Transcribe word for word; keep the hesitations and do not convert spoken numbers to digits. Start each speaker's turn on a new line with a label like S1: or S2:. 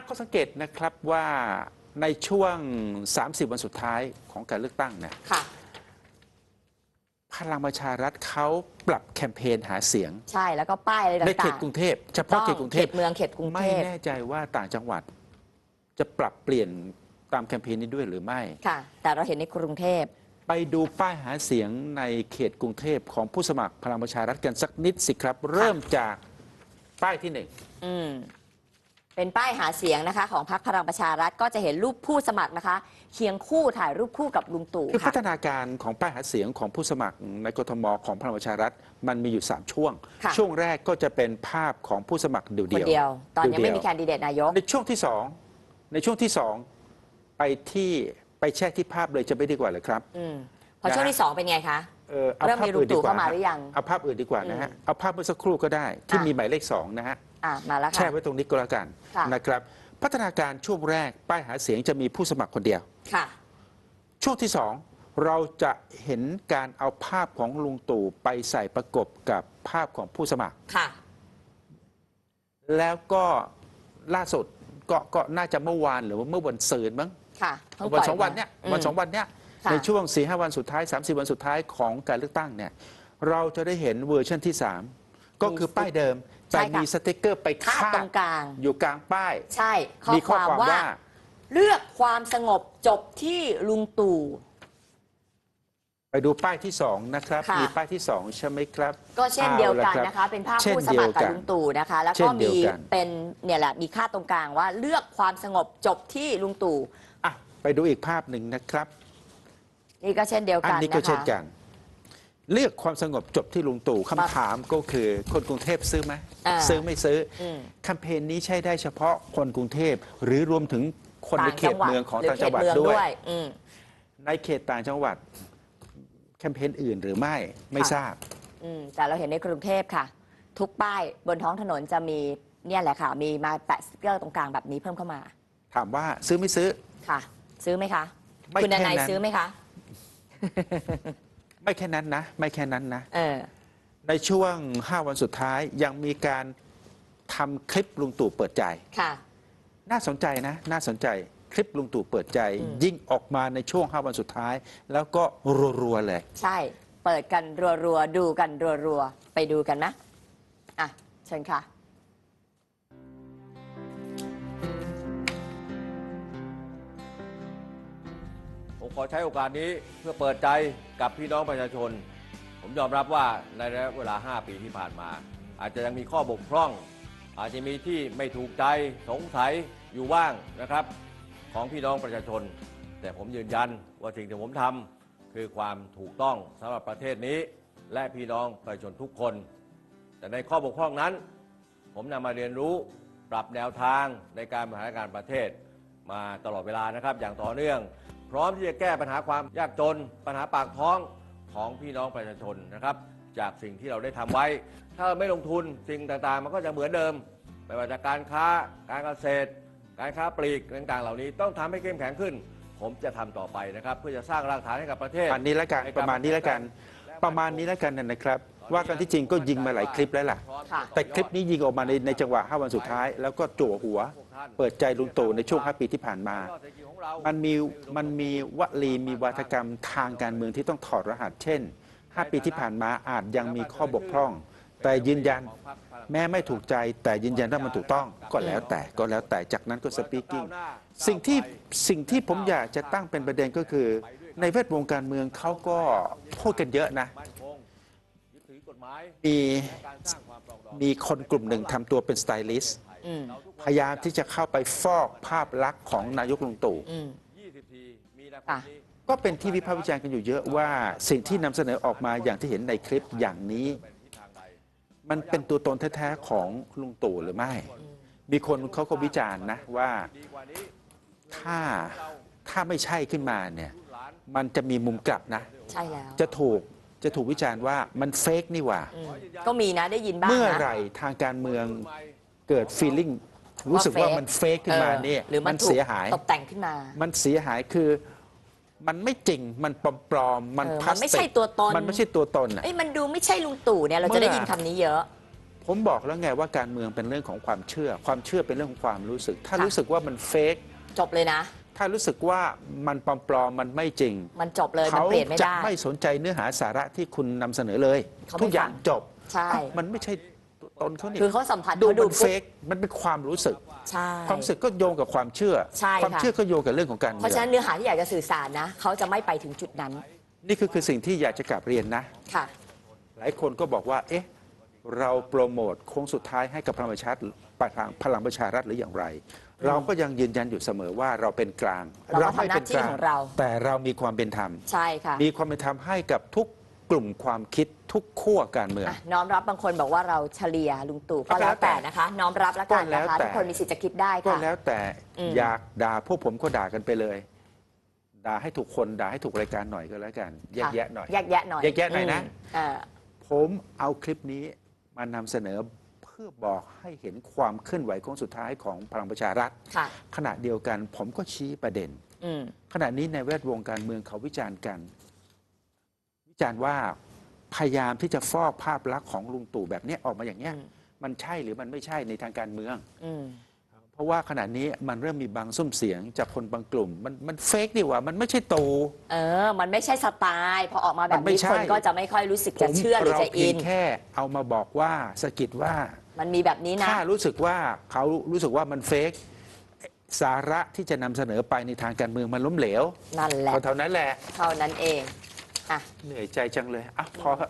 S1: ข้อสังเกตนะครับว่าในช่วงสามสิบวันสุดท้ายของการเลือกตั้งเนี่ยพลังประชารัฐเขาปรับแคมเปญหาเสียง
S2: ใช่แล้วก็ป้ายอะไรต่างๆ
S1: ในเขตกรุงเทพเฉพาะเขตกรุงเทพ
S2: เมืองเขตกรุงเทพ
S1: ไม่แน่ใจว่าต่างจังหวัดจะปรับเปลี่ยนตามแคมเปญนี้ด้วยหรือไม่
S2: ค่ะแต่เราเห็นในกรุงเทพ
S1: ไปดูป้ายหาเสียงในเขตกรุงเทพของผู้สมัครพลังประชารัฐกันสักนิดสิครับเริ่มจากป้ายที่หนึ่ง
S2: อืมเป็นป้ายหาเสียงนะคะของพรรคพลังประชารัฐก็จะเห็นรูปผู้สมัครนะคะเคียงคู่ถ่ายรูปคู่กับลุงตู่
S1: คือพัฒนาการของป้ายหาเสียงของผู้สมัครในกทมของพลังประชารัฐมันมีอยู่สามช่วงช่วงแรกก็จะเป็นภาพของผู้สมัครเดี่ยว
S2: ๆตอนยังไม่มีแคนดิเดตนายก
S1: ในช่วงที่สองในช่วงที่สองไปที่ไปแช่ที่ภาพเลยจะไม่ดีกว่าเลยครับ
S2: อืมพอช่วงที่สองเป็นไงคะ
S1: เออเริ่ม
S2: มีลุงตู่เข้ามาหรือยัง
S1: เอาภาพอื่นดีกว่านะฮะเอาภาพเมื่อสักครู่ก็ได้ที่มีหมายเลขสองนะฮะ
S2: มาแล้วค่ะ
S1: แช่ไว้ตรงนี้ก็แล้วกันนะครับพัฒนาการช่วงแรกป้ายหาเสียงจะมีผู้สมัครคนเดียว
S2: ค่ะ
S1: ช่วงที่สองเราจะเห็นการเอาภาพของลุงตู่ไปใส่ประกบกับภาพของผู้สมัคร
S2: ค่ะ
S1: แล้วก็ล่าสุดก็ก็น่าจะเมื่อวานหรือว่าเมื่อวันศุกร์มั้ง
S2: ค่ะ
S1: วันสองวันเนี้ยวันสองวันเนี้ยในช่วงสี่ห้าวันสุดท้ายสามสิบวันสุดท้ายของการเลือกตั้งเนี่ยเราจะได้เห็นเวอร์ชันที่สามก็คือป้ายเดิมแต่มีสติ๊กเกอร์ไปคาด
S2: ตรงกลาง
S1: อยู่กลางป้าย
S2: ใช่มีข้อความว่าเลือกความสงบจบที่ลุงตู่
S1: ไปดูป้ายที่สองนะครับมีป้ายที่สองใช่ไหมครับ
S2: ก็เช่นเดียวกันนะคะเป็นภาพผู้สมัครกับลุงตู่นะคะแล้วก็มีเป็นเนี่ยแหละมีค่าตรงกลางว่าเลือกความสงบจบที่ลุงตู่
S1: อ่ะไปดูอีกภาพหนึ่งนะครับ
S2: นี่ก็เช่นเดียวกัน
S1: อันนี้ก็เช่นกันเลือกความสงบจบที่ลุงตู่คำถามก็คือคนกรุงเทพซื้อไหมซื้อไม่ซื้อแคมเปญนี้ใช้ได้เฉพาะคนกรุงเทพหรือรวมถึงคนในเขตเมืองของต่างจังหวัดด้วยในเขตต่างจังหวัดแคมเปญอื่นหรือไม่ไม่ทราบ
S2: แต่เราเห็นในกรุงเทพค่ะทุกป้ายบนท้องถนนจะมีเนี่ยแหละค่ะมีมาแปะสติ๊กเกอร์ตรงกลางแบบนี้เพิ่มเข้ามา
S1: ถามว่าซื้อไม่ซื้อ
S2: ค่ะซื้อไหมคะคุณนายซื้อไหมคะ
S1: ไม่แค่นั้นนะไม่แค่นั้นนะในช่วงห้าวันสุดท้ายยังมีการทำคลิปลุงตู่เปิดใจ
S2: ค่ะ
S1: น่าสนใจนะน่าสนใจคลิปลุงตู่เปิดใจยิ่งออกมาในช่วงห้าวันสุดท้ายแล้วก็รัวๆเลย
S2: ใช่เปิดกันรัวๆดูกันรัวๆไปดูกันนะอ่ะเชิญค่ะ
S3: ผมขอใช้โอกาสนี้เพื่อเปิดใจกับพี่น้องประชาชนผมยอมรับว่าในระยะเวลาห้าปีที่ผ่านมาอาจจะยังมีข้อบกพร่องอาจจะมีที่ไม่ถูกใจสงสัยอยู่บ้างนะครับของพี่น้องประชาชนแต่ผมยืนยันว่าสิ่งที่ผมทำคือความถูกต้องสำหรับประเทศนี้และพี่น้องประชาชนทุกคนแต่ในข้อบกพร่องนั้นผมนำมาเรียนรู้ปรับแนวทางในการบริหารการประเทศมาตลอดเวลานะครับอย่างต่อเนื่องพร้อมที่จะแก้ปัญหาความยากจนปัญหาปากท้องของพี่น้องประชาชนนะครับจากสิ่งที่เราได้ทำไว้ถ้าไม่ลงทุนสิ่งต่างๆมันก็จะเหมือนเดิมไม่ว่าจะการค้าการเกษตรการค้าปลีกต่างๆเหล่านี้ต้องทำให้เข้มแข็งขึ้นผมจะทำต่อไปนะครับเพื่อจะสร้างรากฐานให้กับประเทศ
S1: อันนี้แล้วกันประมาณนี้แล้วกันประมาณนี้แล้วกันนะครับว่ากันที่จริงก็ยิงมาหลายคลิปแล้วล่ะแต่คลิปนี้ยิงออกมาในในจังหวะห้าวันสุดท้ายแล้วก็จั่วหัวเปิดใจลุงตู่ในช่วงห้าปีที่ผ่านมามันมีมันมีวลีมีวาทกรรมทางการเมืองที่ต้องถอดรหัสเช่นห้าปีที่ผ่านมาอาจยังมีข้อบกพร่องแต่ยืนยันแม้ไม่ถูกใจแต่ยืนยันว่ามันถูกต้องก็แล้วแต่ก็แล้วแต่จากนั้นก็สปีกิ้งสิ่งที่สิ่งที่ผมอยากจะตั้งเป็นประเด็นก็คือในแวดวงการเมืองเขาก็พูดกันเยอะนะมีมีคนกลุ่มหนึ่งทำตัวเป็นสไตลิสต์พยายามที่จะเข้าไปฟอกภาพลักษณ์ของนายกลุงตู่ก็เป็นที่วิพากษ์วิจารณ์กันอยู่เยอะว่าสิ่งที่นำเสนอออกมาอย่างที่เห็นในคลิปอย่างนี้มันเป็นตัวตนแท้ๆของลุงตู่หรือไม่มีคนเขาก็วิจารณ์นะว่าถ้าถ้าไม่ใช่ขึ้นมาเนี่ยมันจะมีมุมกลับนะ
S2: ใช่แล้ว
S1: จะถูกจะถูกวิจารณ์ว่ามันเฟกนี่หว่า
S2: ก็มีนะได้ยินบ้าง
S1: เมื่อไหร่ทางการเมืองเกิดฟีลลิ่งรู้สึกว่ามันเฟกขึ้นมาเนี่ย
S2: หรือมันเสียหายตกแต่งขึ้นมา
S1: มันเสียหายคือมันไม่จริงมันปลอมๆมันพลาสติก
S2: มันไม่ใช่ตัวตน
S1: มันไม่ใช่ตัวตนอ่ะ
S2: มันดูไม่ใช่ลุงตู่เนี่ยเราจะได้ยินคำนี้เยอะ
S1: ผมบอกแล้วไงว่าการเมืองเป็นเรื่องของความเชื่อ ความเชื่อเป็นเรื่องของความรู้สึก ถ้า
S2: ค่ะ
S1: รู้สึกว่ามันเฟก
S2: จบเลยนะ
S1: ถ้ารู้สึกว่ามันปลอมๆมันไม่จริง
S2: มันจบเลยมัน
S1: เขา
S2: เปลี่ยนไม่
S1: จะ
S2: ได้
S1: ไม่สนใจเนื้อหาสาระที่คุณนำเสนอเลย
S2: เขาไม่
S1: ทุกอย่าง
S2: ฟัง
S1: จบ
S2: ใช่
S1: อ้าวมันไม่ใช่ตนเขานี่
S2: คือเขาสัมผัส
S1: ดู
S2: เขาดู
S1: มันเฟกมันเป็นความรู้สึก
S2: ใช่
S1: ความรู้สึกก็โยงกับความเชื่อ
S2: ใช่
S1: ความ
S2: ค่ะ
S1: เชื่อก็โยงกับเรื่องของการ
S2: เพ
S1: เมื
S2: ราะ
S1: อ
S2: ฉะ
S1: ง
S2: นั้นเนื้อหาที่อยากจะสื่อสารนะเขาจะไม่ไปถึงจุดนั้น
S1: นี่คือคือสิ่งที่อยากจะกลับเรียนนะ
S2: ค่ะ
S1: หลายคนก็บอกว่า เอ๊ะ เราโปรโมทโค้งสุดท้ายให้กับพลังประชารัฐพลังประชารัฐหรืออย่างไร เราก็ยังยืนยันอยู่เสมอว่าเราเป็นกลาง
S2: เราก็ทำหน้าที่ของเรา
S1: แต่เรามีความเป็นธรรม
S2: ใช่ค่ะ
S1: มีความเป็นธรรมให้กับทุกกลุ่มความคิดทุกขั้วการเมือง
S2: อ่ะน้อมรับบางคนบอกว่าเราเฉลี่ยลุงตู่ก็
S1: ก็แล้ว
S2: แล้วแต่
S1: แต่
S2: นะคะ น้อมรับแล้วกัน
S1: ก็แล้
S2: นะ
S1: ว
S2: คะ
S1: แต่
S2: ทุกคนมีสิทธิ์จะคิดได้
S1: ก็
S2: ค่ะ
S1: แล้วแต่
S2: อืม
S1: อยากด่าพวกผมก็ด่ากันไปเลย ด่าให้ถูกคนด่าให้ถูกรายการหน่อยก็แล้วกัน แยกแยะหน่อย
S2: แยกแยะหน่อย
S1: แยกแยะหน่อยนะ
S2: มอ่า
S1: ผมเอาคลิปนี้มานำเสนอเพื่อบอกให้เห็นความเคลื่อนไหวของสุดท้ายของพลังประชารัฐ
S2: ค่ะ
S1: ขณะเดียวกันผมก็ชี้ประเด็น
S2: อืม
S1: ขณะนี้ในแวดวงการเมืองเขาวิจารณ์กัน วิจารณ์ว่าพยายามที่จะฟอกภาพลักษณ์ของลุงตู่แบบเนี้ยออกมาอย่างเนี้ย
S2: อืม
S1: มันใช่หรือมันไม่ใช่ในทางการเมือง
S2: อืม
S1: เพราะว่าขณะนี้มันเริ่มมีบางซุ้มเสียงจากคนบางกลุ่ม มันมันเฟกดีกว่ามันไม่ใช่ตู่
S2: เออ มันไม่ใช่สไตล์พอออกมาแบบ
S1: มันไม่
S2: นี้
S1: ใช่
S2: คนก็จะไม่ค่อยรู้สึก
S1: ผ
S2: จะ
S1: ม
S2: เชื่อหรือ
S1: เรา
S2: จะ
S1: เพี
S2: อิ
S1: ยง
S2: น
S1: แค่เอามาบอกว่าสะกิดว่า
S2: มันมีแบบนี้นะ
S1: ถ้ารู้สึกว่าเขารู้สึกว่ามันเฟกสาระที่จะนำเสนอไปในทางการเมืองมันล้มเหลว
S2: นั่นแหละ
S1: เท่านั้นแหละ
S2: เท่านั้นเองอ่ะ
S1: เหนื่อยใจจังเลยอ่ะพอ